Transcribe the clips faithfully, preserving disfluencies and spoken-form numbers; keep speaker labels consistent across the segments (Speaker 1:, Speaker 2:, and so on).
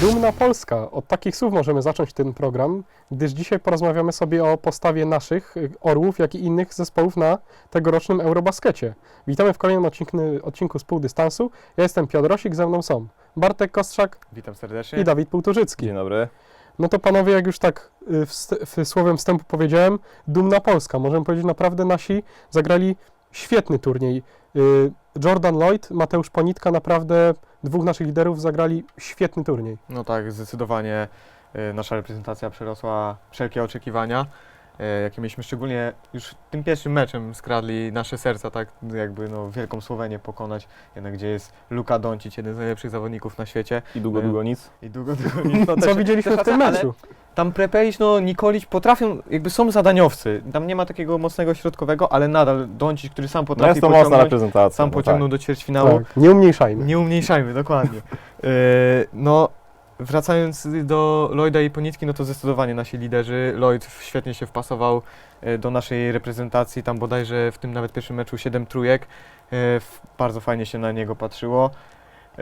Speaker 1: Dumna Polska. Od takich słów możemy zacząć ten program, gdyż dzisiaj porozmawiamy sobie o postawie naszych y, Orłów, jak i innych zespołów na tegorocznym Eurobaskecie. Witamy w kolejnym odcinku, odcinku z Półdystansu. Ja jestem Piotr Rosik, ze mną są Bartek Kostrzak
Speaker 2: Witam serdecznie.
Speaker 1: i Dawid Półtorzycki.
Speaker 3: Dzień dobry.
Speaker 1: No to panowie, jak już tak y, wst- w słowem wstępu powiedziałem, dumna Polska. Możemy powiedzieć, naprawdę nasi zagrali świetny turniej. Y, Jordan Lloyd, Mateusz Ponitka, naprawdę dwóch naszych liderów zagrali świetny turniej.
Speaker 2: No tak, zdecydowanie y, nasza reprezentacja przerosła wszelkie oczekiwania, y, jakie mieliśmy, szczególnie już tym pierwszym meczem skradli nasze serca, tak jakby no, wielką Słowenię pokonać, jednak gdzie jest Luka Doncic, jeden z najlepszych zawodników na świecie.
Speaker 3: I długo,
Speaker 2: Y,
Speaker 3: długo nic.
Speaker 2: I długo, długo nic. No,
Speaker 1: Co
Speaker 2: też-
Speaker 1: widzieliśmy
Speaker 2: też
Speaker 1: w tym
Speaker 2: racja,
Speaker 1: meczu?
Speaker 2: ale Tam Prepelic, no Nikolic potrafią, jakby są zadaniowcy, tam nie ma takiego mocnego środkowego, ale nadal Doncic, który sam
Speaker 3: No
Speaker 2: potrafi
Speaker 3: jest to mocna
Speaker 2: pociągnąć,
Speaker 3: reprezentacja.
Speaker 2: sam
Speaker 3: no
Speaker 2: pociągnął
Speaker 3: tak.
Speaker 2: do ćwierćfinału.
Speaker 1: Tak, nie umniejszajmy.
Speaker 2: Nie umniejszajmy, dokładnie. Yy, no, wracając do Lloyda i Ponitki, no to zdecydowanie nasi liderzy. Lloyd świetnie się wpasował yy, do naszej reprezentacji, tam bodajże w tym nawet pierwszym meczu siedem trójek. Yy, f- bardzo fajnie się na niego patrzyło. Yy,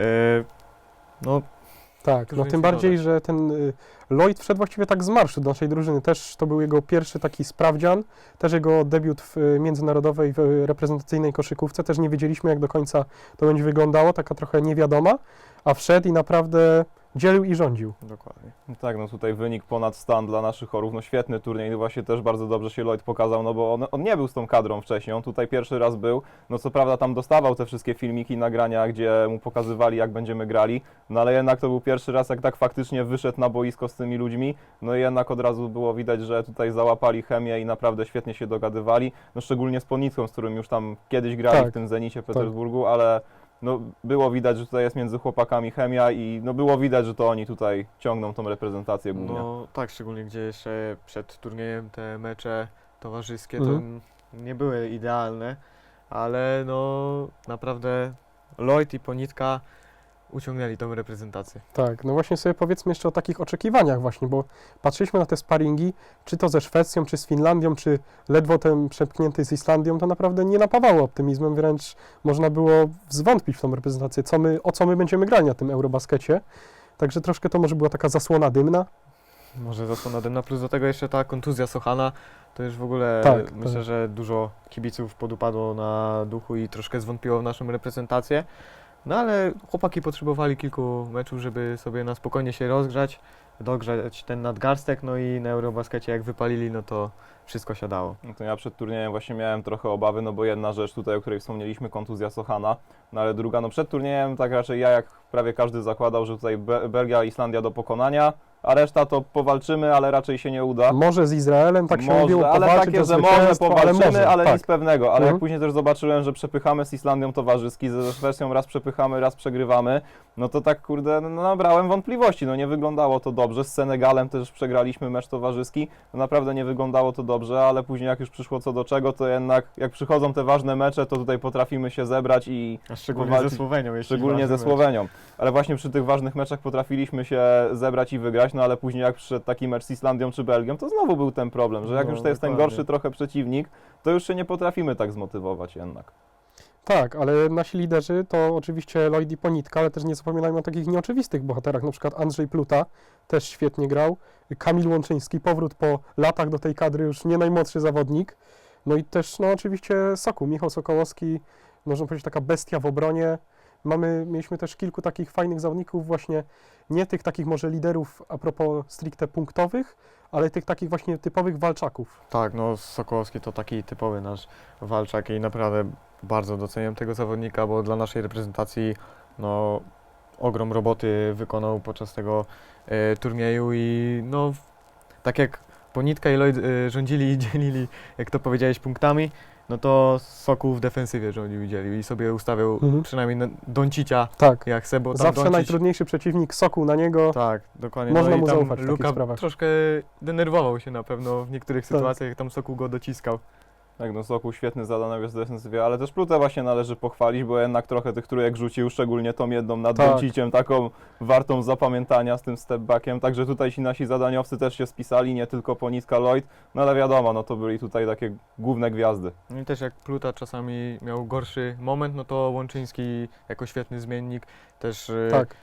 Speaker 2: no,
Speaker 1: Tak,
Speaker 2: Dużo
Speaker 1: no
Speaker 2: nic
Speaker 1: tym
Speaker 2: nie
Speaker 1: bardziej,
Speaker 2: dodać.
Speaker 1: że ten y, Lloyd wszedł właściwie tak z marszu do naszej drużyny. Też to był jego pierwszy taki sprawdzian, też jego debiut w y, międzynarodowej, w y, reprezentacyjnej koszykówce. Też nie wiedzieliśmy, jak do końca to będzie wyglądało, taka trochę niewiadoma, a wszedł i naprawdę dzielił i rządził.
Speaker 2: dokładnie.
Speaker 3: No tak, no tutaj wynik ponad stan dla naszych Orłów. No świetny turniej, no właśnie też bardzo dobrze się Lloyd pokazał, no bo on, on nie był z tą kadrą wcześniej, on tutaj pierwszy raz był. No co prawda tam dostawał te wszystkie filmiki, nagrania, gdzie mu pokazywali, jak będziemy grali, no ale jednak to był pierwszy raz, jak tak faktycznie wyszedł na boisko z tymi ludźmi. No i jednak od razu było widać, że tutaj załapali chemię i naprawdę świetnie się dogadywali. No szczególnie z Ponitką, z którym już tam kiedyś grali
Speaker 1: Tak,
Speaker 3: w tym Zenicie Petersburgu, ale no, było widać, że tutaj jest między chłopakami chemia i no, było widać, że to oni tutaj ciągną tą reprezentację głównie.
Speaker 2: No tak, szczególnie gdzie jeszcze przed turniejem te mecze towarzyskie
Speaker 1: Mhm.
Speaker 2: to n- nie były idealne, ale no naprawdę Lloyd i Ponitka uciągnęli tą reprezentację.
Speaker 1: Tak, no właśnie sobie powiedzmy jeszcze o takich oczekiwaniach właśnie, bo patrzyliśmy na te sparingi, czy to ze Szwecją, czy z Finlandią, czy ledwo ten przepchnięty z Islandią, to naprawdę nie napawało optymizmem, wręcz można było zwątpić w tą reprezentację, co my, o co my będziemy grali na tym Eurobaskecie. Także troszkę to może była taka zasłona dymna.
Speaker 2: Może zasłona dymna, plus do tego jeszcze ta kontuzja Sochana, to już w ogóle
Speaker 1: Tak,
Speaker 2: myślę,
Speaker 1: tak.
Speaker 2: że dużo kibiców podupadło na duchu i troszkę zwątpiło w naszą reprezentację. No ale chłopaki potrzebowali kilku meczów, żeby sobie na spokojnie się rozgrzać, dogrzać ten nadgarstek, no i na Eurobaskecie jak wypalili, no to wszystko siadało.
Speaker 3: No to ja przed turniejem właśnie miałem trochę obawy, no bo jedna rzecz tutaj, o której wspomnieliśmy, kontuzja Sochana, no ale druga, no przed turniejem tak raczej ja, jak prawie każdy zakładał, że tutaj Be- Belgia, Islandia do pokonania, a reszta to powalczymy, ale raczej się nie uda.
Speaker 1: Może z Izraelem, tak się
Speaker 3: Może,
Speaker 1: mówiło,
Speaker 3: ale
Speaker 1: powalczyć
Speaker 3: takie,
Speaker 1: o
Speaker 3: że może
Speaker 1: zwycięstwo,
Speaker 3: powalczymy, ale,
Speaker 1: może, tak.
Speaker 3: nic pewnego. Ale
Speaker 1: Mhm.
Speaker 3: jak później też zobaczyłem, że przepychamy z Islandią towarzyski, ze Szwecją raz przepychamy, raz przegrywamy, no to tak kurde, no, nabrałem wątpliwości. No nie wyglądało to dobrze. Z Senegalem też przegraliśmy mecz towarzyski. No naprawdę nie wyglądało to dobrze, ale później jak już przyszło co do czego, to jednak jak przychodzą te ważne mecze, to tutaj potrafimy się zebrać i
Speaker 2: A szczególnie
Speaker 3: powalczyć.
Speaker 2: ze Słowenią. jeśli
Speaker 3: Szczególnie
Speaker 2: ważny
Speaker 3: ze
Speaker 2: mecz.
Speaker 3: Słowenią. Ale właśnie przy tych ważnych meczach potrafiliśmy się zebrać i wygrać, no ale później jak przyszedł taki mecz z Islandią czy Belgią, to znowu był ten problem, że jak
Speaker 2: No,
Speaker 3: już to jest ten
Speaker 2: dokładnie.
Speaker 3: gorszy trochę przeciwnik, to już się nie potrafimy tak zmotywować jednak.
Speaker 1: Tak, ale nasi liderzy to oczywiście Lloyd i Ponitka, ale też nie zapominajmy o takich nieoczywistych bohaterach, na przykład Andrzej Pluta też świetnie grał, Kamil Łączyński, powrót po latach do tej kadry, już nie najmłodszy zawodnik, no i też no oczywiście Sokół, Michał Sokołowski, można powiedzieć taka bestia w obronie. Mamy, mieliśmy też kilku takich fajnych zawodników właśnie, nie tych takich może liderów a propos stricte punktowych, ale tych takich właśnie typowych walczaków.
Speaker 2: Tak, no Sokołowski to taki typowy nasz walczak i naprawdę bardzo doceniam tego zawodnika, bo dla naszej reprezentacji no, ogrom roboty wykonał podczas tego e, turnieju i no tak jak Ponitka i Lloyd e, rządzili i dzielili, jak to powiedziałeś, punktami, no to Sokół w defensywie rządził i dzielił i sobie ustawiał
Speaker 1: Mhm.
Speaker 2: przynajmniej na- Doncicia
Speaker 1: Tak,
Speaker 2: jak se, bo tam
Speaker 1: zawsze
Speaker 2: Doncic,
Speaker 1: najtrudniejszy przeciwnik, Sokół na niego.
Speaker 2: tak, dokładnie.
Speaker 1: Można
Speaker 2: no i
Speaker 1: mu
Speaker 2: tam
Speaker 1: zaufać w takich
Speaker 2: Luka
Speaker 1: sprawach.
Speaker 2: troszkę denerwował się na pewno w niektórych
Speaker 1: Tak.
Speaker 2: sytuacjach, jak tam Sokół go dociskał.
Speaker 3: Tak, no Sokół świetny zadaniowiec w defensywie, ale też Plutę właśnie należy pochwalić, bo jednak trochę tych trójek rzucił, szczególnie tą jedną nad
Speaker 1: Tak.
Speaker 3: Donciciem, taką wartą zapamiętania z tym stepbackiem, także tutaj ci nasi zadaniowcy też się spisali, nie tylko Ponitka, Lloyd, no ale wiadomo, no to byli tutaj takie główne gwiazdy.
Speaker 2: No i też jak Pluta czasami miał gorszy moment, no to Łączyński jako świetny zmiennik też y,
Speaker 1: Tak,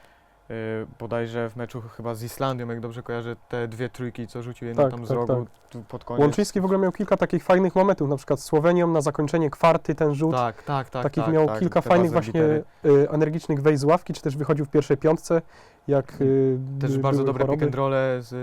Speaker 2: y, bodajże w meczu chyba z Islandią, jak dobrze kojarzę, te dwie trójki, co rzucił jedną
Speaker 1: Tak,
Speaker 2: tam z
Speaker 1: tak,
Speaker 2: rogu tu pod koniec.
Speaker 1: Łączyński w ogóle miał kilka takich fajnych momentów, na przykład z Słowenią na zakończenie kwarty ten rzut.
Speaker 2: Tak, tak, tak.
Speaker 1: Takich
Speaker 2: tak,
Speaker 1: miał
Speaker 2: tak,
Speaker 1: kilka
Speaker 2: te
Speaker 1: fajnych
Speaker 2: buzzer
Speaker 1: właśnie
Speaker 2: beatery.
Speaker 1: y, energicznych wejść z ławki, czy też wychodził w pierwszej piątce, jak y,
Speaker 2: Też
Speaker 1: by-
Speaker 2: bardzo
Speaker 1: były
Speaker 2: dobre pick
Speaker 1: choroby.
Speaker 2: and rolle z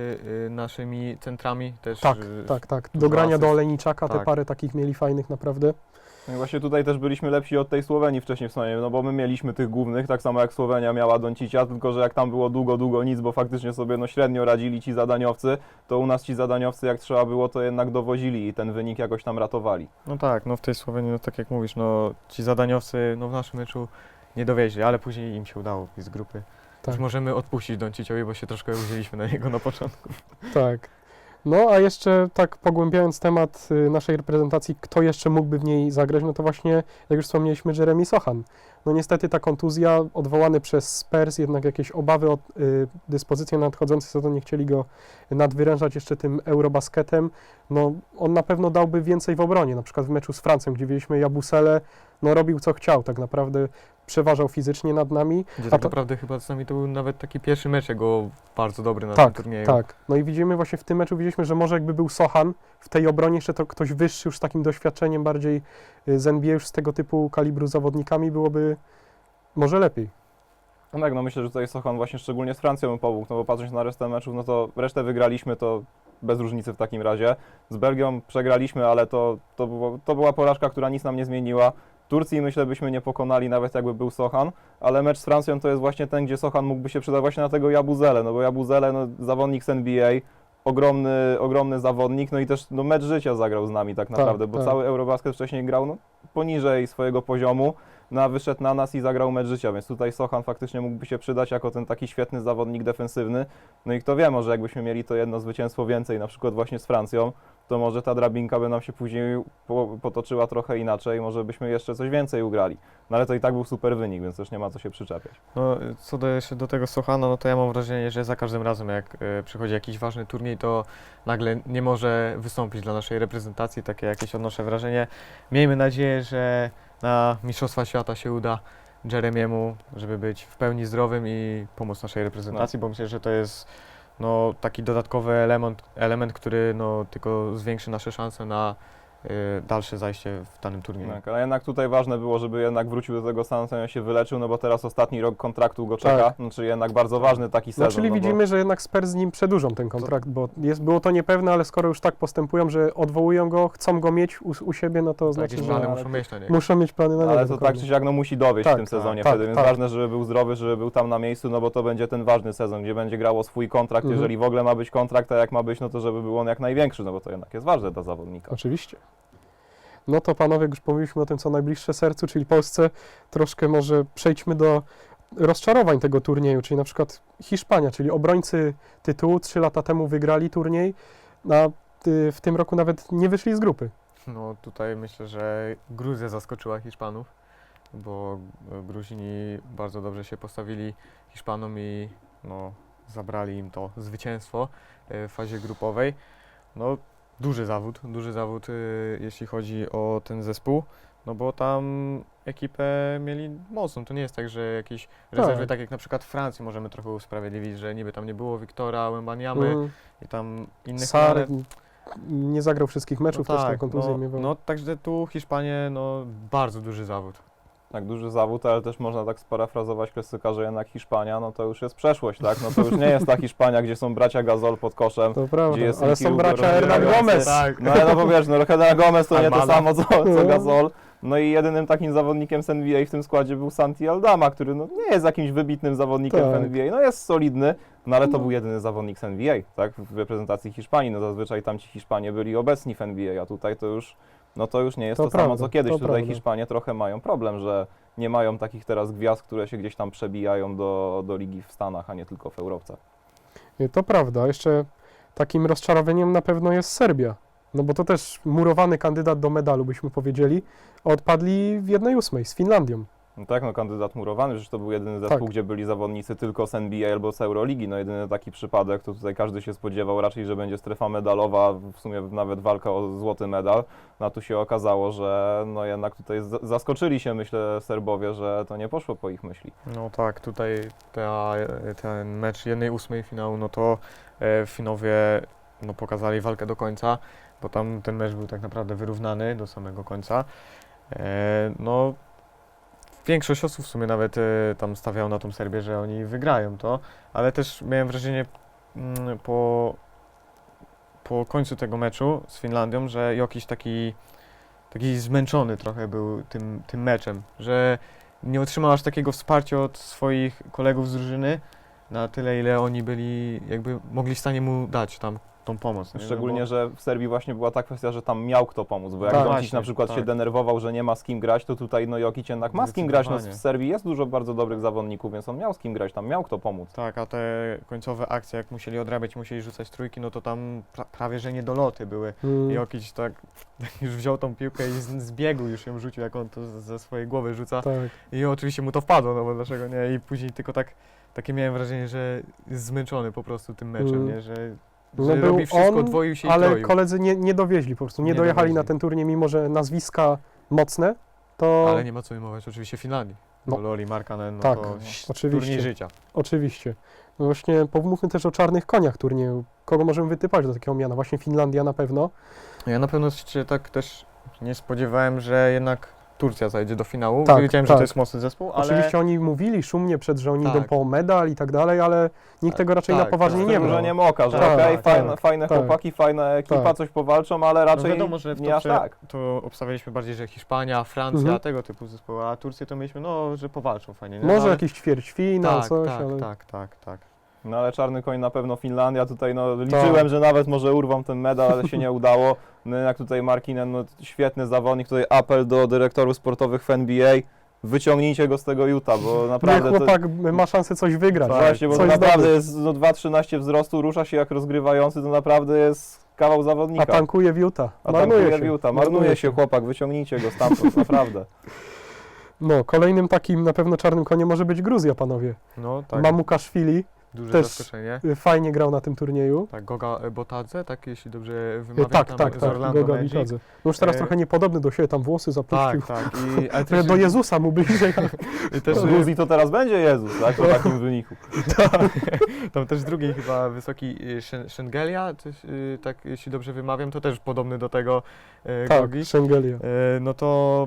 Speaker 2: y, naszymi centrami. Też,
Speaker 1: Tak,
Speaker 2: y,
Speaker 1: tak, tak.
Speaker 2: dużo
Speaker 1: Do grania do
Speaker 2: asyst.
Speaker 1: Olejniczaka te
Speaker 2: Tak.
Speaker 1: parę takich mieli fajnych naprawdę.
Speaker 3: No i właśnie tutaj też byliśmy lepsi od tej Słowenii wcześniej w sumie, no bo my mieliśmy tych głównych, tak samo jak Słowenia miała Doncicia, tylko że jak tam było długo, długo nic, bo faktycznie sobie no średnio radzili ci zadaniowcy, to u nas ci zadaniowcy jak trzeba było, to jednak dowozili i ten wynik jakoś tam ratowali.
Speaker 2: No tak, no w tej Słowenii, no tak jak mówisz, no ci zadaniowcy no w naszym meczu nie dowieźli, ale później im się udało z grupy.
Speaker 1: Tak.
Speaker 2: Już możemy odpuścić Donciciowi, bo się troszkę uwzięliśmy na niego na początku.
Speaker 1: Tak. No a jeszcze tak pogłębiając temat y, naszej reprezentacji, kto jeszcze mógłby w niej zagrać, no to właśnie, jak już wspomnieliśmy, Jeremy Sochan. No niestety ta kontuzja, odwołany przez Spurs, jednak jakieś obawy o y, dyspozycję na nadchodzący sezon, nie chcieli go nadwyrężać jeszcze tym Eurobasketem. No on na pewno dałby więcej w obronie, na przykład w meczu z Francją, gdzie widzieliśmy Jabusele, no robił co chciał, tak naprawdę przeważał fizycznie nad nami.
Speaker 2: Gdzie
Speaker 1: A
Speaker 2: tak
Speaker 1: to-
Speaker 2: naprawdę chyba z nami to był nawet taki pierwszy mecz jego bardzo dobry na tym
Speaker 1: Tak,
Speaker 2: turnieju.
Speaker 1: tak. No i widzimy właśnie w tym meczu, widzieliśmy, że może jakby był Sochan w tej obronie, jeszcze to ktoś wyższy już z takim doświadczeniem bardziej y, z N B A, już z tego typu kalibru zawodnikami, byłoby może lepiej.
Speaker 3: No tak, no myślę, że tutaj Sochan właśnie szczególnie z Francją mu pomógł, no bo patrząc na resztę meczów, no to resztę wygraliśmy, to bez różnicy w takim razie. Z Belgią przegraliśmy, ale to, to, było, to była porażka, która nic nam nie zmieniła. Turcji myślę byśmy nie pokonali, nawet jakby był Sochan, ale mecz z Francją to jest właśnie ten, gdzie Sochan mógłby się przydać właśnie na tego Jabuzele, no bo Jabuzele, no zawodnik z N B A, ogromny, ogromny zawodnik, no i też no, mecz życia zagrał z nami tak naprawdę, bo
Speaker 1: tak.
Speaker 3: cały Eurobasket wcześniej grał no, poniżej swojego poziomu, no a wyszedł na nas i zagrał mecz życia, więc tutaj Sochan faktycznie mógłby się przydać jako ten taki świetny zawodnik defensywny. No i kto wie, może jakbyśmy mieli to jedno zwycięstwo więcej, na przykład właśnie z Francją, to może ta drabinka by nam się później po, potoczyła trochę inaczej, może byśmy jeszcze coś więcej ugrali. No ale to i tak był super wynik, więc też nie ma co się przyczepiać.
Speaker 2: No, co do jeszcze do tego Sochana, no to ja mam wrażenie, że za każdym razem jak y, przychodzi jakiś ważny turniej, to nagle nie może wystąpić dla naszej reprezentacji, takie jakieś odnoszę wrażenie. Miejmy nadzieję, że na Mistrzostwa Świata się uda Jeremiemu, żeby być w pełni zdrowym i pomóc naszej reprezentacji, bo myślę, że to jest no, taki dodatkowy element, element, który no, tylko zwiększy nasze szanse na y, dalsze zajście w danym turnieju.
Speaker 3: Tak, ale jednak tutaj ważne było, żeby jednak wrócił do tego San Antonio, się wyleczył, no bo teraz ostatni rok kontraktu go czeka,
Speaker 1: Tak.
Speaker 3: no czyli jednak bardzo ważny taki
Speaker 1: No
Speaker 3: sezon.
Speaker 1: czyli
Speaker 3: no bo-
Speaker 1: widzimy, że jednak Spurs z nim przedłużą ten kontrakt, bo jest, było to niepewne, ale skoro już tak postępują, że odwołują go, chcą go mieć u, u siebie, no to
Speaker 2: Tak,
Speaker 1: znaczy,
Speaker 2: jakieś
Speaker 1: że
Speaker 2: plany
Speaker 3: ale-
Speaker 2: muszą mieć na niego.
Speaker 1: muszą mieć plany na niego.
Speaker 3: Ale to tak
Speaker 1: dokładnie.
Speaker 3: czy siak no, musi dowieść
Speaker 1: Tak,
Speaker 3: w tym sezonie
Speaker 1: tak,
Speaker 3: wtedy, więc
Speaker 1: tak.
Speaker 3: ważne, żeby był zdrowy, żeby był tam na miejscu, no bo to będzie ten ważny sezon, gdzie będzie grało swój kontrakt,
Speaker 1: Mhm.
Speaker 3: jeżeli w ogóle ma być kontrakt, a jak ma być, no to żeby był on jak największy, no bo to jednak jest ważne dla zawodnika.
Speaker 1: Oczywiście. No to panowie, jak już powiedzieliśmy o tym, co najbliższe sercu, czyli Polsce, troszkę może przejdźmy do rozczarowań tego turnieju, czyli na przykład Hiszpania, czyli obrońcy tytułu, trzy lata temu wygrali turniej, a y, w tym roku nawet nie wyszli z grupy.
Speaker 2: No tutaj myślę, że Gruzja zaskoczyła Hiszpanów, bo e, Gruzini bardzo dobrze się postawili Hiszpanom i no, zabrali im to zwycięstwo e, w fazie grupowej. No duży zawód, duży zawód e, jeśli chodzi o ten zespół, no bo tam ekipę mieli mocną. To nie jest tak, że jakieś rezerwy, tak jak na przykład w Francji możemy trochę usprawiedliwić, że niby tam nie było Wiktora, Wembaniamy
Speaker 1: Mm,
Speaker 2: i tam innych,
Speaker 1: Sar
Speaker 2: ale-
Speaker 1: nie zagrał wszystkich meczów, też tam kontuzję
Speaker 2: no,
Speaker 1: miewał.
Speaker 2: no także tu Hiszpanie, no bardzo duży zawód.
Speaker 3: Tak, duży zawód, ale też można tak sparafrazować klasyka, że jednak Hiszpania, no to już jest przeszłość, tak? No to już nie jest ta Hiszpania, gdzie są bracia Gasol pod koszem,
Speaker 1: To prawda,
Speaker 3: gdzie jest
Speaker 1: ale
Speaker 3: Ricky
Speaker 1: są
Speaker 3: Rubio
Speaker 1: bracia Hernan
Speaker 3: rozgrywający.
Speaker 1: Gomez.
Speaker 2: Tak.
Speaker 3: No ale no bo wiesz, no Hernan Gomez to nie to
Speaker 2: Almada.
Speaker 3: samo co, co
Speaker 1: No.
Speaker 3: Gasol. No i jedynym takim zawodnikiem z N B A w tym składzie był Santi Aldama, który no nie jest jakimś wybitnym zawodnikiem
Speaker 1: Tak.
Speaker 3: w N B A, no jest solidny, no ale to
Speaker 1: No.
Speaker 3: był jedyny zawodnik z N B A, tak? W reprezentacji Hiszpanii, no zazwyczaj tam ci Hiszpanie byli obecni w N B A, a tutaj to już, no to już nie jest
Speaker 1: To
Speaker 3: to, samo
Speaker 1: prawda,
Speaker 3: co kiedyś.
Speaker 1: to
Speaker 3: Tutaj
Speaker 1: prawda.
Speaker 3: Hiszpanie trochę mają problem, że nie mają takich teraz gwiazd, które się gdzieś tam przebijają do, do ligi w Stanach, a nie tylko w Europce.
Speaker 1: Nie, to prawda. Jeszcze takim rozczarowaniem na pewno jest Serbia. No bo to też murowany kandydat do medalu, byśmy powiedzieli. a Odpadli w jednej ósmej z Finlandią.
Speaker 3: No tak, no kandydat murowany, przecież to był jedyny zespół,
Speaker 1: Tak.
Speaker 3: gdzie byli zawodnicy tylko z N B A albo z Euroligi, no jedyny taki przypadek, to tutaj każdy się spodziewał raczej, że będzie strefa medalowa, w sumie nawet walka o złoty medal, no a tu się okazało, że no jednak tutaj z- zaskoczyli się, myślę, Serbowie, że to nie poszło po ich myśli.
Speaker 2: No tak, tutaj ta, ten mecz jednej ósmej finału, no to e, Finowie no, pokazali walkę do końca, bo tam ten mecz był tak naprawdę wyrównany do samego końca. E, no, większość osób w sumie nawet e, tam stawiało na tą Serbię, że oni wygrają to, ale też miałem wrażenie mm, po, po końcu tego meczu z Finlandią, że jakiś taki, taki zmęczony trochę był tym, tym meczem, że nie otrzymał aż takiego wsparcia od swoich kolegów z drużyny na tyle, ile oni byli, jakby mogli w stanie mu dać tam tą pomoc. nie?
Speaker 3: Szczególnie,
Speaker 2: No
Speaker 3: że w Serbii właśnie była ta kwestia, że tam miał kto pomóc, bo jak
Speaker 1: Tak,
Speaker 3: Doncic
Speaker 2: właśnie,
Speaker 3: na przykład się
Speaker 2: tak.
Speaker 3: denerwował, że nie ma z kim grać, to tutaj no Jokic jednak ma z kim grać, no w
Speaker 2: Zdecydowanie.
Speaker 3: Serbii jest dużo bardzo dobrych zawodników, więc on miał z kim grać, tam miał kto pomóc.
Speaker 2: Tak, a te końcowe akcje, jak musieli odrabiać, musieli rzucać trójki, no to tam pra prawie, że niedoloty były.
Speaker 1: Mm,
Speaker 2: Jokic tak już wziął tą piłkę i z, z biegu już ją rzucił, jak on to z- ze swojej głowy rzuca.
Speaker 1: tak.
Speaker 2: I oczywiście mu to wpadło, no bo dlaczego nie? I później tylko tak, takie miałem wrażenie, że jest zmęczony po prostu tym meczem,
Speaker 1: Mm.
Speaker 2: nie? Że,
Speaker 1: No
Speaker 2: że
Speaker 1: był
Speaker 2: robi wszystko,
Speaker 1: on,
Speaker 2: dwoił się i
Speaker 1: Ale
Speaker 2: troił.
Speaker 1: koledzy nie, nie dowieźli po prostu, nie,
Speaker 2: Nie
Speaker 1: dojechali na
Speaker 2: dowieźli.
Speaker 1: ten turniej, mimo że nazwiska mocne, to
Speaker 2: Ale nie ma co wyjmować oczywiście Finlandii.
Speaker 1: No.
Speaker 2: No. Loli Markkanen, no
Speaker 1: Tak,
Speaker 2: to
Speaker 1: no,
Speaker 2: ś-
Speaker 1: oczywiście.
Speaker 2: turniej życia.
Speaker 1: oczywiście. No właśnie pomówmy też o czarnych koniach turnieju. Kogo możemy wytypać do takiego miana? Właśnie Finlandia na pewno.
Speaker 2: Ja na pewno się tak też nie spodziewałem, że jednak Turcja zajdzie do finału.
Speaker 1: Tak,
Speaker 2: Wiedziałem, że
Speaker 1: tak.
Speaker 2: to jest mocny zespół, ale
Speaker 1: Oczywiście oni mówili szumnie przed, że oni
Speaker 2: Tak.
Speaker 1: idą po medal i tak dalej, ale nikt tego raczej
Speaker 2: Tak,
Speaker 1: na poważnie
Speaker 2: tak.
Speaker 1: nie
Speaker 3: Z tym,
Speaker 1: brał.
Speaker 3: że nie moka, że
Speaker 2: Tak,
Speaker 3: okej,
Speaker 2: tak,
Speaker 3: fajne,
Speaker 1: tak,
Speaker 3: fajne
Speaker 1: tak.
Speaker 3: chłopaki, fajna ekipa,
Speaker 1: Tak.
Speaker 3: coś powalczą, ale
Speaker 2: no
Speaker 3: raczej
Speaker 2: wiadomo, że w
Speaker 3: nie aż
Speaker 2: topce
Speaker 3: tak.
Speaker 2: to obstawialiśmy bardziej, że Hiszpania, Francja,
Speaker 1: Mhm.
Speaker 2: tego typu zespoły, a Turcję to mieliśmy, no, że powalczą fajnie. Nie?
Speaker 1: Może
Speaker 2: ale...
Speaker 1: jakiś ćwierćfinał,
Speaker 2: tak,
Speaker 1: coś,
Speaker 2: tak,
Speaker 1: ale...
Speaker 2: tak, tak, tak.
Speaker 3: No ale czarny koń na pewno Finlandia, tutaj no liczyłem, że nawet może urwą ten medal, ale się nie udało. No jak tutaj Markkinen, no świetny zawodnik, tutaj apel do dyrektorów sportowych w N B A, wyciągnijcie go z tego Utah, bo
Speaker 1: Nie,
Speaker 3: naprawdę to,
Speaker 1: chłopak ma szansę coś wygrać.
Speaker 3: właśnie, bo to
Speaker 1: coś
Speaker 3: naprawdę
Speaker 1: zdobyć.
Speaker 3: jest no, dwa trzynaście wzrostu, rusza się jak rozgrywający, to naprawdę jest kawał
Speaker 1: A
Speaker 3: zawodnika.
Speaker 1: tankuje w Utah.
Speaker 3: A
Speaker 1: Marnuje
Speaker 3: tankuje
Speaker 1: się.
Speaker 3: w Utah, marnuje się chłopak, wyciągnijcie go stamtąd, naprawdę.
Speaker 1: No, kolejnym takim na pewno czarnym koniem może być Gruzja, panowie.
Speaker 2: No, tak,
Speaker 1: Mamukaszwili
Speaker 2: duże
Speaker 1: też-
Speaker 2: zaskoczenie.
Speaker 1: y, fajnie grał na tym turnieju.
Speaker 2: Tak, Goga Botadze, tak, jeśli dobrze
Speaker 1: Y,
Speaker 2: wymawiam,
Speaker 1: Tak,
Speaker 2: tam
Speaker 1: tak,
Speaker 2: z
Speaker 1: tak,
Speaker 2: Orlando
Speaker 1: Goga
Speaker 2: Magic.
Speaker 1: Bitadze. No już teraz
Speaker 2: E,
Speaker 1: trochę niepodobny do siebie, tam włosy zapuścił.
Speaker 2: Tak, tak. I, ale
Speaker 1: Trochę
Speaker 2: też,
Speaker 1: do Jezusa mu bliżej.
Speaker 2: i też,
Speaker 3: W Gruzji to teraz będzie Jezus, tak, po takim wyniku.
Speaker 2: tam też drugi chyba wysoki y, Szen- Szengelia, coś, y, tak jeśli dobrze wymawiam, to też podobny do tego y,
Speaker 1: Tak,
Speaker 2: Gogi.
Speaker 1: Szengelia.
Speaker 2: Y, no to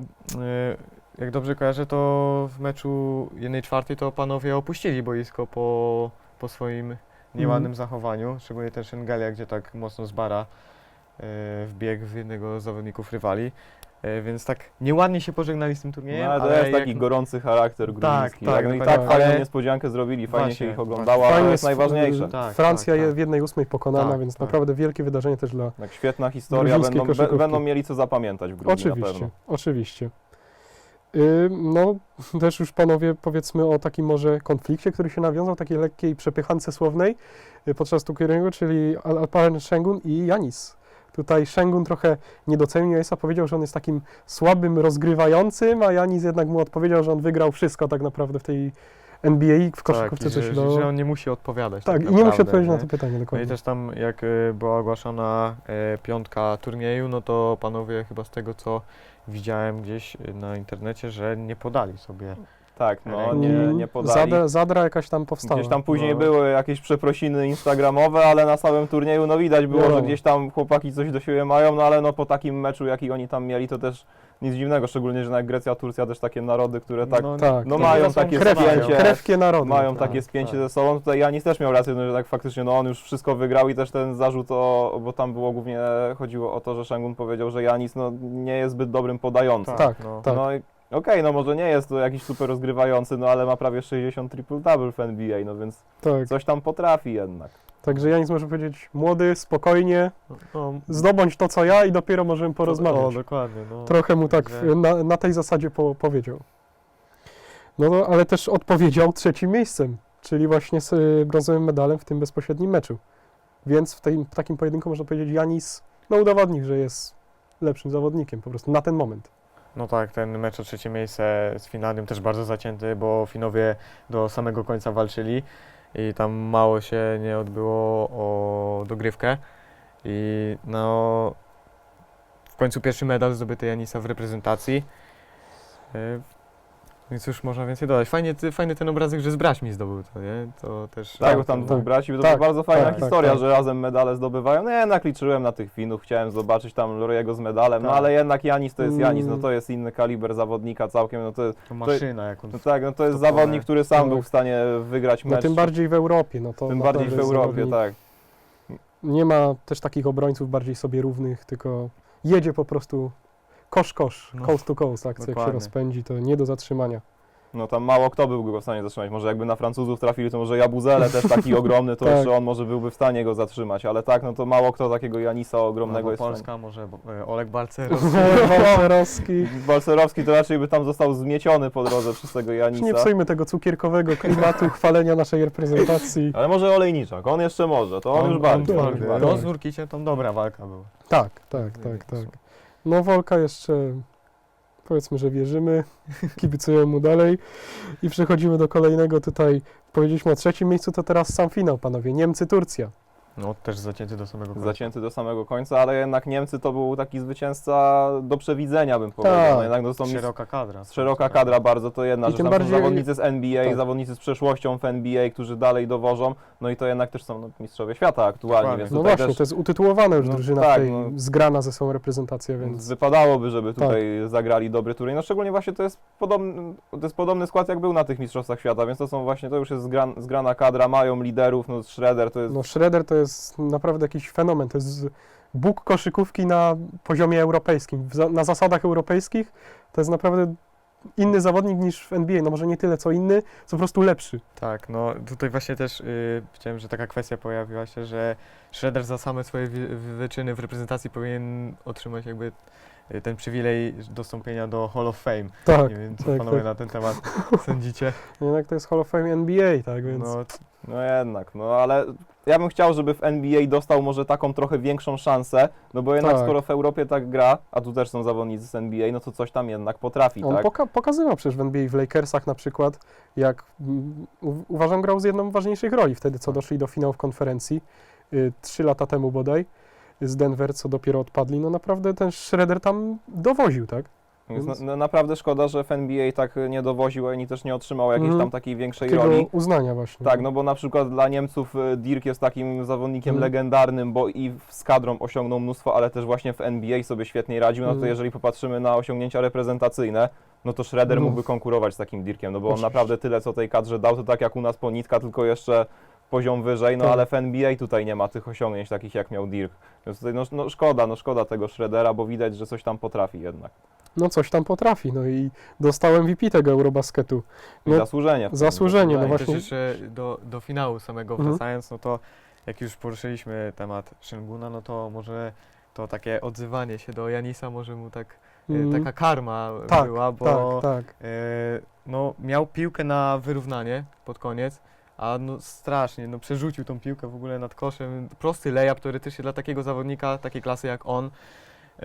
Speaker 2: y, jak dobrze kojarzę, to w meczu jednej czwartej to panowie opuścili boisko po, po swoim nieładnym zachowaniu, szczególnie ten Szengelia, gdzie tak mocno z bara y, wbiegł w jednego z zawodników rywali. Y, Więc tak nieładnie się pożegnali z tym turniejem,
Speaker 3: No, ale to
Speaker 2: ale
Speaker 3: jest
Speaker 2: jak-
Speaker 3: taki gorący charakter gruziński.
Speaker 2: tak,
Speaker 3: tak, no i
Speaker 2: dokładnie.
Speaker 3: tak fajną
Speaker 2: Ale-
Speaker 3: niespodziankę zrobili, fajnie
Speaker 2: Właśnie,
Speaker 3: się ich oglądało,
Speaker 2: właśnie.
Speaker 3: ale to
Speaker 1: Fajnie
Speaker 3: jest
Speaker 1: sw-
Speaker 3: najważniejsze.
Speaker 2: Tak,
Speaker 1: Francja
Speaker 2: tak,
Speaker 1: je
Speaker 2: tak.
Speaker 1: w jednej ósmej pokonana,
Speaker 2: Tak,
Speaker 1: więc
Speaker 2: tak.
Speaker 1: naprawdę wielkie wydarzenie też dla...
Speaker 3: Tak, świetna historia,
Speaker 1: Gruzińskiej
Speaker 3: będą, be,
Speaker 1: koszykówki.
Speaker 3: będą mieli co zapamiętać w Gruzji na
Speaker 1: Oczywiście,
Speaker 3: pewno.
Speaker 1: oczywiście. Y, No, też już panowie powiedzmy o takim może konflikcie, który się nawiązał, takiej lekkiej przepychance słownej y, podczas turnieju, czyli Al- Alperen Şengün i Janis. Tutaj Şengün trochę nie docenił Janisa, powiedział, że on jest takim słabym rozgrywającym, a Janis jednak mu odpowiedział, że on wygrał wszystko tak naprawdę w tej N B A, w koszykówce,
Speaker 2: tak,
Speaker 1: co
Speaker 2: i
Speaker 1: się
Speaker 2: że,
Speaker 1: dało.
Speaker 2: że on nie musi odpowiadać.
Speaker 1: Tak,
Speaker 2: Tak,
Speaker 1: i nie musi
Speaker 2: naprawdę,
Speaker 1: odpowiedzieć na
Speaker 2: nie?
Speaker 1: to pytanie
Speaker 2: No i
Speaker 1: dokładnie.
Speaker 2: też tam jak y, była ogłaszana e, piątka turnieju, no to panowie chyba z tego co widziałem gdzieś y, na internecie, że nie podali sobie.
Speaker 3: Tak, no
Speaker 2: Mm,
Speaker 3: nie, nie podali.
Speaker 1: Zadra, zadra jakaś tam powstała.
Speaker 3: Gdzieś tam później
Speaker 2: No.
Speaker 3: były jakieś przeprosiny instagramowe, ale na samym turnieju no widać było,
Speaker 1: Wiadomo.
Speaker 3: że gdzieś tam chłopaki coś do siebie mają, no ale no po takim meczu, jaki oni tam mieli, to też nic dziwnego, szczególnie, że jak Grecja, Turcja też takie narody, które tak
Speaker 2: no,
Speaker 1: tak,
Speaker 3: no
Speaker 2: to
Speaker 3: mają
Speaker 2: chyba są
Speaker 3: takie
Speaker 1: Krewkie,
Speaker 3: spięcie.
Speaker 1: krewkie narody.
Speaker 3: mają
Speaker 2: tak,
Speaker 3: takie spięcie
Speaker 2: tak.
Speaker 3: ze sobą. Tutaj Janis też miał rację, no, że tak faktycznie no on już wszystko wygrał i też ten zarzut, o, bo tam było głównie chodziło o to, że Şengün powiedział, że Janis no, nie jest zbyt dobrym podającym.
Speaker 1: Tak,
Speaker 2: no.
Speaker 1: tak.
Speaker 3: No i okej, no może nie jest to jakiś super rozgrywający, no ale ma prawie sześćdziesiąt triple-double w N B A, no więc
Speaker 1: tak.
Speaker 3: coś tam potrafi jednak.
Speaker 1: Także Janis może powiedzieć, młody, spokojnie,
Speaker 2: No,
Speaker 1: zdobądź to, co ja i dopiero możemy
Speaker 2: O,
Speaker 1: porozmawiać.
Speaker 2: dokładnie. No.
Speaker 1: Trochę mu tak
Speaker 2: Że-
Speaker 1: na, na tej zasadzie po, powiedział. No, no, ale też odpowiedział trzecim miejscem, czyli właśnie z y, brązowym medalem w tym bezpośrednim meczu. Więc w, tej, w takim pojedynku można powiedzieć, Janis no udowodnił, że jest lepszym zawodnikiem po prostu na ten moment.
Speaker 2: No tak, ten mecz o trzecie miejsce z Finlandią też bardzo zacięty, bo Finowie do samego końca walczyli i tam mało się nie odbyło o dogrywkę. I no w końcu pierwszy medal zdobyty Janisa w reprezentacji. Y, Więc już można więcej dodać. Fajnie, ty- fajny ten obrazek, że z braćmi zdobył to, nie? To też...
Speaker 3: Tak, bo tam
Speaker 1: tak,
Speaker 3: dwóch
Speaker 1: tak.
Speaker 3: braci, to
Speaker 1: Tak,
Speaker 3: była bardzo fajna
Speaker 1: tak, tak,
Speaker 3: historia,
Speaker 1: tak.
Speaker 3: że razem medale zdobywają. No ja jednak liczyłem na tych Finów, chciałem zobaczyć tam Loriego z medalem, no
Speaker 2: Tak.
Speaker 3: ale jednak Janis to jest Janis, no
Speaker 1: Mm.
Speaker 3: to jest inny kaliber zawodnika całkiem, no to,
Speaker 2: To maszyna, jak on...
Speaker 3: no tak, no to jest
Speaker 2: Topowe.
Speaker 3: zawodnik, który sam
Speaker 1: Tak.
Speaker 3: był w stanie wygrać
Speaker 1: No
Speaker 3: mecz.
Speaker 1: tym bardziej w Europie, no to
Speaker 3: tym bardziej w
Speaker 1: naprawdę
Speaker 3: Europie,
Speaker 1: zawodnik.
Speaker 3: tak.
Speaker 1: Nie ma też takich obrońców bardziej sobie równych, tylko jedzie po prostu kosz, kosz,
Speaker 2: No,
Speaker 1: coast to coast, akcja jak się
Speaker 2: dokładnie.
Speaker 1: rozpędzi, to nie do zatrzymania.
Speaker 3: No tam mało kto byłby go w stanie zatrzymać. Może jakby na Francuzów trafili, to może Jabuzele też taki ogromny, to
Speaker 1: Tak.
Speaker 3: jeszcze on może byłby w stanie go zatrzymać, ale tak, no to mało kto takiego Janisa ogromnego
Speaker 2: no,
Speaker 3: jest w stanie.
Speaker 2: Polska, może e, Olek Balcerowski.
Speaker 1: Walcerowski.
Speaker 3: Balcerowski to raczej by tam został zmieciony po drodze przez tego Janisa.
Speaker 1: Nie psujmy tego cukierkowego klimatu chwalenia naszej reprezentacji.
Speaker 3: Ale może Olejniczak, on jeszcze może, to on, już bardziej.
Speaker 1: tak,
Speaker 3: on już
Speaker 1: tak.
Speaker 3: bardziej.
Speaker 2: No z Nurkiciem tam dobra walka była.
Speaker 1: Tak, tak, tak, tak. No Wolka jeszcze, powiedzmy, że wierzymy, kibicujemy mu dalej i przechodzimy do kolejnego tutaj, powiedzieliśmy o trzecim miejscu, to teraz sam finał, panowie, Niemcy-Turcja.
Speaker 2: No też zacięty do samego końca.
Speaker 3: Zacięty do samego końca, ale jednak Niemcy to był taki zwycięzca do przewidzenia, bym powiedział.
Speaker 1: Tak.
Speaker 3: No jednak to są
Speaker 2: Szeroka kadra.
Speaker 3: szeroka kadra bardzo, to jedna
Speaker 1: I
Speaker 3: rzecz.
Speaker 1: tym
Speaker 3: Tam są
Speaker 1: bardziej-
Speaker 3: zawodnicy z N B A,
Speaker 1: tak.
Speaker 3: zawodnicy z przeszłością w N B A, którzy dalej dowożą, no i to jednak też są no, mistrzowie świata aktualnie,
Speaker 2: Dokładnie.
Speaker 3: więc
Speaker 1: No
Speaker 3: tutaj
Speaker 1: właśnie,
Speaker 3: też
Speaker 1: to jest utytułowana już
Speaker 3: No
Speaker 1: drużyna
Speaker 3: tak,
Speaker 1: w tej,
Speaker 3: no.
Speaker 1: zgrana ze sobą reprezentacja, więc
Speaker 3: wypadałoby, żeby tutaj zagrali dobry turniej. No szczególnie właśnie to jest podobny, to jest podobny skład jak był na tych mistrzostwach świata, więc to są właśnie, to już jest zgran, zgrana kadra, mają liderów, no Schroeder to jest
Speaker 1: no Schroeder to jest naprawdę jakiś fenomen, to jest bóg koszykówki na poziomie europejskim, w za, na zasadach europejskich, to jest naprawdę inny zawodnik niż w N B A, no może nie tyle co inny, co po prostu lepszy.
Speaker 2: Tak, no tutaj właśnie też y, chciałem, że taka kwestia pojawiła się, że Schroeder za same swoje wy, wyczyny w reprezentacji powinien otrzymać jakby y, ten przywilej dostąpienia do Hall of Fame.
Speaker 1: Tak,
Speaker 2: Nie wiem, co
Speaker 1: tak,
Speaker 2: panowie
Speaker 1: tak.
Speaker 2: na ten temat sądzicie.
Speaker 1: Jednak to jest Hall of Fame N B A, tak więc...
Speaker 2: No,
Speaker 3: No jednak, no ale ja bym chciał, żeby w N B A dostał może taką trochę większą szansę, no bo jednak
Speaker 1: Tak.
Speaker 3: skoro w Europie tak gra, a tu też są zawodnicy z N B A, no to coś tam jednak potrafi,
Speaker 1: On
Speaker 3: tak?
Speaker 1: poka- pokazywał przecież w N B A w Lakersach na przykład, jak mm, u- uważam grał z jedną z ważniejszych roli wtedy, co doszli do finałów konferencji, y, trzy lata temu bodaj, z Denver, co dopiero odpadli, no naprawdę ten Schroeder tam dowoził, tak?
Speaker 3: Więc
Speaker 1: Więc-
Speaker 3: na, na, naprawdę szkoda, że w N B A tak nie dowoził, ani też nie otrzymał jakiejś
Speaker 1: Mhm.
Speaker 3: tam takiej większej
Speaker 1: Takiego
Speaker 3: roli.
Speaker 1: uznania właśnie.
Speaker 3: Tak, no bo na przykład dla Niemców y, Dirk jest takim zawodnikiem
Speaker 1: Mhm.
Speaker 3: legendarnym, bo i w- z kadrą osiągnął mnóstwo, ale też właśnie w N B A sobie świetnie radził. No to
Speaker 1: Mhm.
Speaker 3: jeżeli popatrzymy na osiągnięcia reprezentacyjne, no to Schroeder
Speaker 1: No.
Speaker 3: mógłby konkurować z takim Dirkiem, no bo on
Speaker 1: Oczywiście.
Speaker 3: naprawdę tyle co tej kadrze dał, to tak jak u nas Ponitka, tylko jeszcze poziom wyżej, no
Speaker 1: Tak.
Speaker 3: ale w N B A tutaj nie ma tych osiągnięć takich jak miał Dirk. Więc tutaj no, no szkoda, no szkoda tego Schroedera, bo widać, że coś tam potrafi jednak.
Speaker 1: No coś tam potrafi, no i dostał M V P tego Eurobasketu.
Speaker 3: I
Speaker 1: No,
Speaker 3: zasłużenie. w tym,
Speaker 1: zasłużenie, no
Speaker 3: wydaje mi
Speaker 2: i
Speaker 3: się.
Speaker 1: właśnie.
Speaker 2: też jeszcze do, do finału samego
Speaker 1: Mhm.
Speaker 2: wracając, no to jak już poruszyliśmy temat Şenguna, no to może to takie odzywanie się do Janisa może mu tak, y,
Speaker 1: Mm,
Speaker 2: taka karma
Speaker 1: tak,
Speaker 2: była, bo
Speaker 1: tak, tak.
Speaker 2: e, no, miał piłkę na wyrównanie pod koniec, a no strasznie, no przerzucił tą piłkę w ogóle nad koszem. Prosty layup teoretycznie dla takiego zawodnika, takiej klasy jak on. E,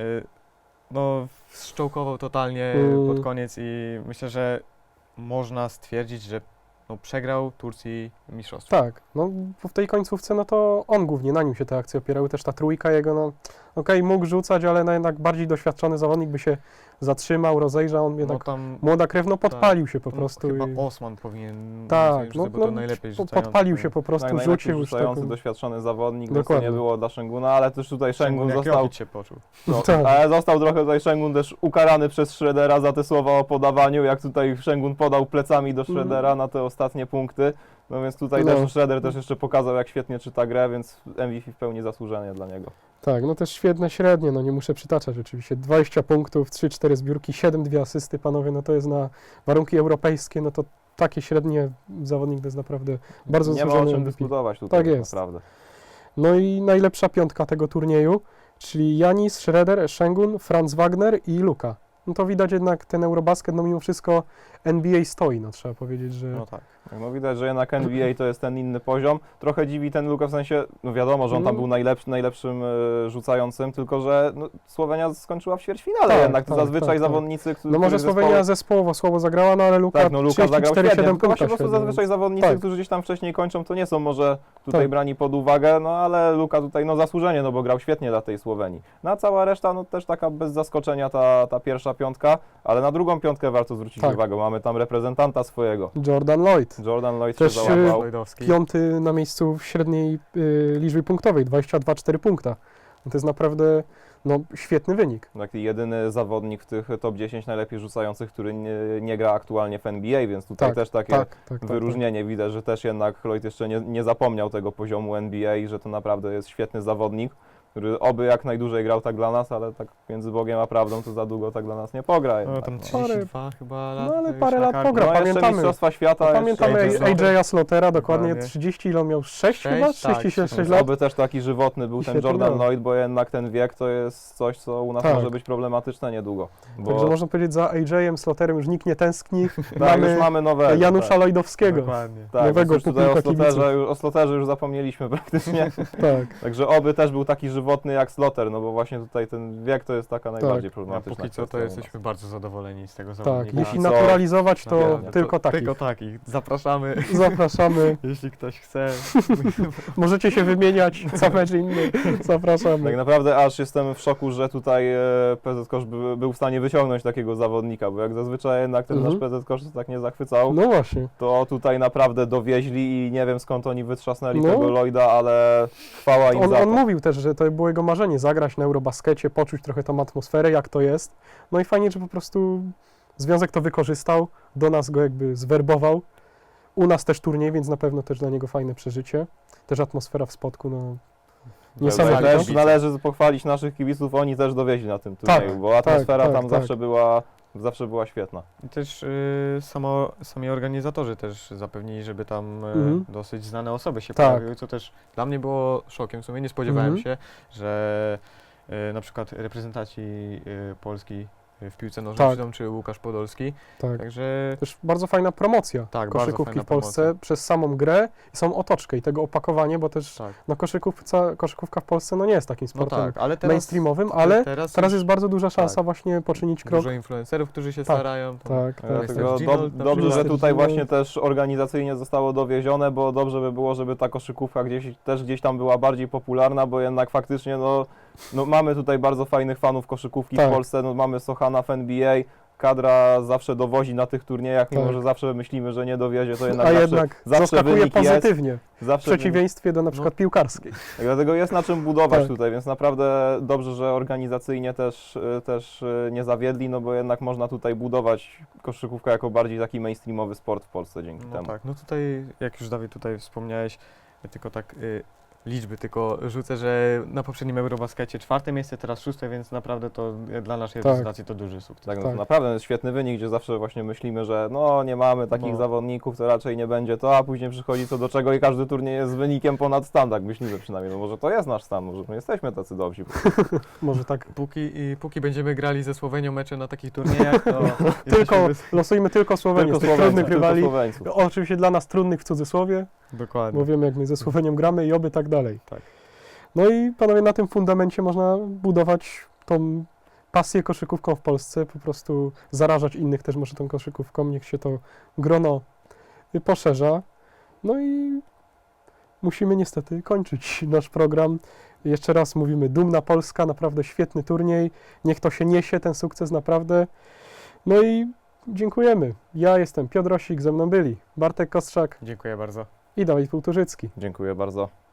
Speaker 2: no szczołkował totalnie
Speaker 1: Mm.
Speaker 2: pod koniec i myślę, że można stwierdzić, że no, przegrał Turcji mistrzostwo.
Speaker 1: Tak, no bo w tej końcówce, no to on głównie, na nim się te akcje opierały, też ta trójka jego, no okej, mógł rzucać, ale no, jednak bardziej doświadczony zawodnik by się zatrzymał, rozejrzał, on
Speaker 2: No
Speaker 1: jednak
Speaker 2: tam
Speaker 1: młoda krew, no podpalił się po
Speaker 2: no,
Speaker 1: prostu.
Speaker 2: chyba
Speaker 1: i,
Speaker 2: Osman powinien
Speaker 1: tak,
Speaker 2: no,
Speaker 1: no,
Speaker 2: bo
Speaker 1: no
Speaker 2: to najlepiej
Speaker 1: po-
Speaker 2: rzucający.
Speaker 1: podpalił się po prostu,
Speaker 3: Tak, najlepiej
Speaker 1: rzucił już
Speaker 3: rzucający,
Speaker 1: taką...
Speaker 3: doświadczony zawodnik, więc to
Speaker 1: Dokładnie.
Speaker 3: nie było dla Szenguna, ale też tutaj Şengun
Speaker 2: jak
Speaker 3: został,
Speaker 2: Jokic się poczuł.
Speaker 3: no,
Speaker 1: Tak.
Speaker 3: ale został trochę tutaj Şengun też ukarany przez Schroedera za te słowa o podawaniu, jak tutaj Şengun podał plecami do Schroedera na te ostatnie punkty, no więc tutaj
Speaker 1: No.
Speaker 3: też Schroeder też jeszcze pokazał, jak świetnie czyta grę, więc M V P w pełni zasłużenie dla niego.
Speaker 1: Tak, no też świetne średnie, no nie muszę przytaczać oczywiście, dwadzieścia punktów, trzy cztery zbiórki, siedem dwie asysty, panowie, no to jest na warunki europejskie, no to takie średnie zawodnik to jest naprawdę bardzo
Speaker 3: Nie ma o
Speaker 1: zasłużony
Speaker 3: czym
Speaker 1: M V P.
Speaker 3: dyskutować tutaj
Speaker 1: Tak
Speaker 3: tak
Speaker 1: jest.
Speaker 3: naprawdę.
Speaker 1: No i najlepsza piątka tego turnieju, czyli Janis, Schroeder, Şengun, Franz Wagner i Luka. No to widać jednak ten Eurobasket, no mimo wszystko N B A stoi, no trzeba powiedzieć, że
Speaker 2: No tak.
Speaker 3: Tak, no widać, że jednak N B A to jest ten inny poziom. Trochę dziwi ten Luka w sensie, no wiadomo, że on tam
Speaker 1: No.
Speaker 3: był najlepszy, najlepszym e, rzucającym, tylko że no, Słowenia skończyła w ćwierćfinale
Speaker 1: Tak,
Speaker 3: jednak. To
Speaker 1: tak,
Speaker 3: zazwyczaj
Speaker 1: tak, tak.
Speaker 3: zawodnicy, którzy
Speaker 1: No może Słowenia zespołowo słabo zagrała, no ale Luka
Speaker 3: Tak, no Luka zagrał
Speaker 1: trzydzieści cztery
Speaker 3: świetnie,
Speaker 1: siedem
Speaker 3: tylko właśnie
Speaker 1: punktów.
Speaker 3: po prostu zazwyczaj zawodnicy,
Speaker 1: Tak.
Speaker 3: którzy gdzieś tam wcześniej kończą, to nie są może tutaj
Speaker 1: Tak.
Speaker 3: brani pod uwagę, no ale Luka tutaj no zasłużenie, no bo grał świetnie dla tej Słowenii. No a cała reszta, no też taka bez zaskoczenia ta, ta pierwsza piątka, ale na drugą piątkę warto zwrócić
Speaker 1: Tak.
Speaker 3: uwagę, mamy tam reprezentanta swojego.
Speaker 1: Jordan Lloyd.
Speaker 3: Jordan Lloyd
Speaker 1: Też,
Speaker 3: się
Speaker 1: y,
Speaker 3: załapał.
Speaker 2: Lloydowski.
Speaker 1: Piąty na miejscu w średniej y, liczbie punktowej, dwadzieścia dwa przecinek cztery punkta. No to jest naprawdę no, świetny wynik.
Speaker 3: Taki jedyny zawodnik w tych top dziesięć najlepiej rzucających, który nie, nie gra aktualnie w N B A, więc tutaj
Speaker 1: Tak,
Speaker 3: też takie
Speaker 1: Tak, tak, tak.
Speaker 3: wyróżnienie. Widać, że też jednak Lloyd jeszcze nie, nie zapomniał tego poziomu N B A i że to naprawdę jest świetny zawodnik, który oby jak najdłużej grał tak dla nas, ale tak między Bogiem a prawdą to za długo tak dla nas nie pogra.
Speaker 2: No
Speaker 3: jednak,
Speaker 2: tam
Speaker 3: no.
Speaker 2: trzydzieści dwa chyba lat.
Speaker 1: No, ale
Speaker 2: już
Speaker 1: parę
Speaker 2: na
Speaker 1: lat
Speaker 2: karku.
Speaker 1: pogra,
Speaker 3: No jeszcze
Speaker 1: pamiętamy.
Speaker 3: Mistrzostwa Świata.
Speaker 1: No,
Speaker 3: jeszcze
Speaker 1: pamiętamy
Speaker 3: jeszcze-
Speaker 1: A J Slotera, dokładnie
Speaker 2: Dokładnie.
Speaker 1: trzydzieści, ile on miał? sześć
Speaker 2: Sześć,
Speaker 1: chyba?
Speaker 2: tak,
Speaker 1: sześćdziesiąt sześć
Speaker 3: Więc
Speaker 1: lat?
Speaker 3: oby też taki żywotny był ten
Speaker 1: Świetnie
Speaker 3: Jordan
Speaker 1: grał.
Speaker 3: Lloyd, bo jednak ten wiek to jest coś, co u nas
Speaker 1: Tak.
Speaker 3: może być problematyczne niedługo. Bo
Speaker 1: Także można powiedzieć, za A J Sloterem już nikt nie tęskni.
Speaker 3: tak,
Speaker 1: mamy
Speaker 3: już mamy nowe.
Speaker 1: Janusza
Speaker 3: tak.
Speaker 1: Lloydowskiego.
Speaker 2: Dokładnie.
Speaker 3: Tak,
Speaker 1: nowego
Speaker 3: więc już tutaj o
Speaker 1: pupilka
Speaker 3: Sloterze, już, o Sloterze już zapomnieliśmy praktycznie.
Speaker 1: Tak.
Speaker 3: Także oby też był taki żywotny jak Sloter, no bo właśnie tutaj ten wiek to jest taka najbardziej
Speaker 2: No,
Speaker 3: problematyczna
Speaker 2: póki co to
Speaker 3: kwestia u nas.
Speaker 2: jesteśmy bardzo zadowoleni z tego
Speaker 1: Tak,
Speaker 2: zawodnika.
Speaker 1: jeśli
Speaker 3: co?
Speaker 1: naturalizować, to
Speaker 2: Naprawdę,
Speaker 1: tylko
Speaker 2: to,
Speaker 1: takich.
Speaker 2: Tylko takich. Zapraszamy,
Speaker 1: Zapraszamy.
Speaker 2: jeśli ktoś chce.
Speaker 1: Możecie się wymieniać, co mecz inny. Zapraszamy.
Speaker 3: Tak naprawdę aż jestem w szoku, że tutaj e, P Z Kosz by, był w stanie wyciągnąć takiego zawodnika, bo jak zazwyczaj jednak ten
Speaker 1: Mhm.
Speaker 3: nasz P Z Kosz tak nie zachwycał,
Speaker 1: No właśnie.
Speaker 3: to tutaj naprawdę dowieźli i nie wiem skąd oni wytrzasnęli
Speaker 1: No.
Speaker 3: tego Lloyda, ale chwała im
Speaker 1: On,
Speaker 3: za
Speaker 1: on
Speaker 3: to.
Speaker 1: mówił też, że to było jego marzenie, zagrać na Eurobaskecie, poczuć trochę tą atmosferę, jak to jest. No i fajnie, że po prostu związek to wykorzystał, do nas go jakby zwerbował. U nas też turniej, więc na pewno też dla niego fajne przeżycie. Też atmosfera w Spodku, no
Speaker 3: Tutaj
Speaker 1: niesamowita.
Speaker 3: też należy pochwalić naszych kibiców, oni też dowieźli na tym turnieju,
Speaker 1: Tak,
Speaker 3: bo atmosfera
Speaker 1: tak,
Speaker 3: tam
Speaker 1: tak,
Speaker 3: zawsze
Speaker 1: tak.
Speaker 3: była zawsze była świetna.
Speaker 2: I też y, samo, sami organizatorzy też zapewnili, żeby tam y,
Speaker 1: Mhm.
Speaker 2: dosyć znane osoby się
Speaker 1: Tak.
Speaker 2: pojawiły, co też dla mnie było szokiem. W sumie nie spodziewałem
Speaker 1: Mhm.
Speaker 2: się, że y, na przykład reprezentaci y, Polski w piłce nożnej
Speaker 1: Tak.
Speaker 2: przyjdą, czy Łukasz Podolski.
Speaker 1: Tak.
Speaker 2: Także
Speaker 1: Też bardzo fajna promocja
Speaker 2: Tak, bardzo
Speaker 1: koszykówki
Speaker 2: fajna
Speaker 1: w Polsce
Speaker 2: promocja.
Speaker 1: przez samą grę i samą otoczkę i tego opakowanie, bo też
Speaker 2: tak.
Speaker 1: no, koszykówca, koszykówka w Polsce no nie jest takim
Speaker 2: No
Speaker 1: sportem
Speaker 2: tak, ale teraz,
Speaker 1: mainstreamowym, ale
Speaker 2: teraz,
Speaker 1: teraz
Speaker 2: już
Speaker 1: jest bardzo duża szansa
Speaker 2: tak.
Speaker 1: właśnie poczynić krok.
Speaker 2: dużo influencerów, którzy się
Speaker 1: Tak,
Speaker 2: starają. tam
Speaker 1: Tak, tak.
Speaker 3: Dlatego
Speaker 2: Mister
Speaker 3: dob-
Speaker 2: Ginold na
Speaker 3: dobrze, że
Speaker 2: przykład.
Speaker 3: tutaj
Speaker 1: Ginold.
Speaker 3: właśnie też organizacyjnie zostało dowiezione, bo dobrze by było, żeby ta koszykówka gdzieś, też gdzieś tam była bardziej popularna, bo jednak faktycznie no, no mamy tutaj bardzo fajnych fanów koszykówki
Speaker 1: Tak.
Speaker 3: w Polsce, no mamy Sochana w N B A, kadra zawsze dowozi na tych turniejach, mimo
Speaker 1: Tak.
Speaker 3: że zawsze myślimy, że nie dowiezie, to jednak
Speaker 1: A
Speaker 3: zawsze,
Speaker 1: jednak
Speaker 3: zawsze
Speaker 1: zaskakuje
Speaker 3: wynik jest.
Speaker 1: pozytywnie, w
Speaker 3: zawsze wynik-
Speaker 1: przeciwieństwie do na przykład piłkarskiej.
Speaker 3: tak, dlatego jest na czym budować
Speaker 1: Tak.
Speaker 3: tutaj, więc naprawdę dobrze, że organizacyjnie też, y, też y, nie zawiedli, no bo jednak można tutaj budować koszykówkę jako bardziej taki mainstreamowy sport w Polsce dzięki
Speaker 2: No
Speaker 3: temu.
Speaker 2: tak, no tutaj, jak już Dawid tutaj wspomniałeś, tylko tak y, liczby tylko rzucę, że na poprzednim Eurobaskecie czwarte miejsce, teraz szóste, więc naprawdę to y, dla naszej
Speaker 1: Tak.
Speaker 2: reprezentacji to duży sukces.
Speaker 3: Tak, no
Speaker 1: Tak.
Speaker 3: to naprawdę jest świetny wynik, gdzie zawsze właśnie myślimy, że no nie mamy takich
Speaker 2: No.
Speaker 3: zawodników, to raczej nie będzie to, a później przychodzi co do czego i każdy turniej jest z wynikiem ponad stan, tak myślimy przynajmniej, no może to jest nasz stan, może my jesteśmy tacy dobrzy.
Speaker 1: Może tak.
Speaker 2: Póki, i, póki będziemy grali ze Słowenią mecze na takich turniejach, to
Speaker 1: Tylko,
Speaker 2: jesteśmy
Speaker 1: losujmy tylko Słowenię
Speaker 3: Tylko
Speaker 1: z tych
Speaker 3: Słoweńców,
Speaker 1: trudnych
Speaker 3: tylko
Speaker 1: rywali.
Speaker 3: Słoweńców.
Speaker 1: Oczywiście dla nas trudnych w cudzysłowie,
Speaker 2: bez... Dokładnie.
Speaker 1: bo wiemy jak my ze Słowenią gramy i oby tak dalej.
Speaker 2: Tak.
Speaker 1: No i panowie, na tym fundamencie można budować tą pasję koszykówką w Polsce, po prostu zarażać innych też może tą koszykówką, niech się to grono y, poszerza. No i musimy niestety kończyć nasz program. Jeszcze raz mówimy, dumna Polska, naprawdę świetny turniej, niech to się niesie, ten sukces naprawdę. No i dziękujemy. Ja jestem Piotr Rosik, ze mną byli Bartek Kostrzak
Speaker 2: Dziękuję bardzo.
Speaker 1: i Dawid Półtorzycki.
Speaker 3: Dziękuję bardzo.